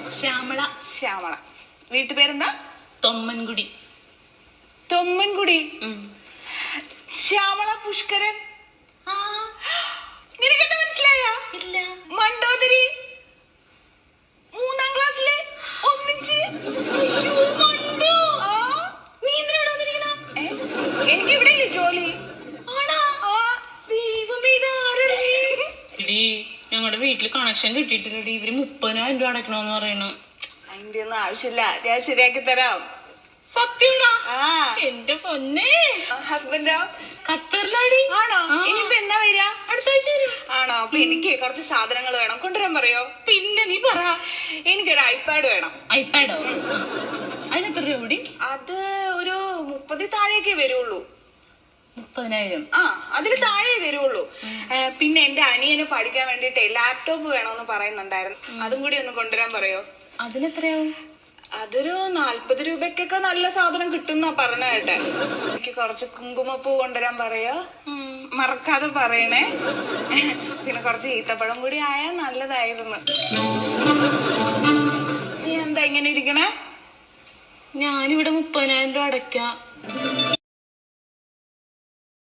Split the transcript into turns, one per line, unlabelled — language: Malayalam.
ശ്യാമള.
ശ്യാമള. വീട്ടുപേരെന്താ?
തൊമ്മൻകുടി.
തൊമ്മൻകുടി. ശ്യാമള പുഷ്കരൻ. നിനക്കെന്താ മനസ്സിലായ?
ഇല്ല.
മണ്ടോദരി 3ാം ക്ലാസ്സിലെ ഒന്നിച്ച്.
നീ എന്തിനാ വന്നിരിക്കണ?
എനിക്ക് ഇവിടെ ജോലി.
ഞങ്ങളുടെ വീട്ടില് കണക്ഷൻ കിട്ടിയിട്ടില്ലടി. ഇവര് 30,000 രൂപ അടക്കണോന്ന് പറയണു.
അതിന്റെ ഒന്നും ആവശ്യമില്ല, ഞാൻ ശരിയാക്കി തരാം.
സത്യമാണോ? എന്റെ പൊന്നെ.
ഹസ്ബൻഡോ?
ഖത്തറിലാടി.
ആണോ? ഇനിയിപ്പോ എന്നാ വരിക?
അടുത്ത ആഴ്ച വരും.
ആണോ? അപ്പൊ എനിക്ക് കുറച്ച് സാധനങ്ങൾ വേണം, കൊണ്ടുവരാൻ പറയോ?
പിന്നെ നീ പറ.
എനിക്കൊരു ഐപാഡ് വേണം.
ഐപാഡോ? അതിനെത്ര രൂപ കൂടി?
അത് ഒരു 30 താഴേക്കേ വരുള്ളൂ.
30,000?
അതില് താഴെ വരുള്ളൂ. പിന്നെ എന്റെ അനിയന് പഠിക്കാൻ വേണ്ടിട്ടേ ലാപ്ടോപ്പ് വേണോന്ന് പറയുന്നുണ്ടായിരുന്നു. അതും കൂടി ഒന്ന് കൊണ്ടുവരാൻ പറയോ?
അതിനെത്രയാവും?
അതൊരു 40 രൂപയ്ക്കൊക്കെ നല്ല സാധനം കിട്ടുന്ന പറഞ്ഞ കേട്ടെ. എനിക്ക് കുറച്ച് കുങ്കുമപ്പൂ കൊണ്ടുവരാൻ പറയോ? മറക്കാതെ പറയണേ. പിന്നെ കുറച്ച് ഈത്തപ്പഴം കൂടി ആയാൽ നല്ലതായിരുന്നു. നീ എന്താ ഇങ്ങനെ ഇരിക്കണേ?
ഞാനിവിടെ 30,000 രൂപ അടയ്ക്കാം.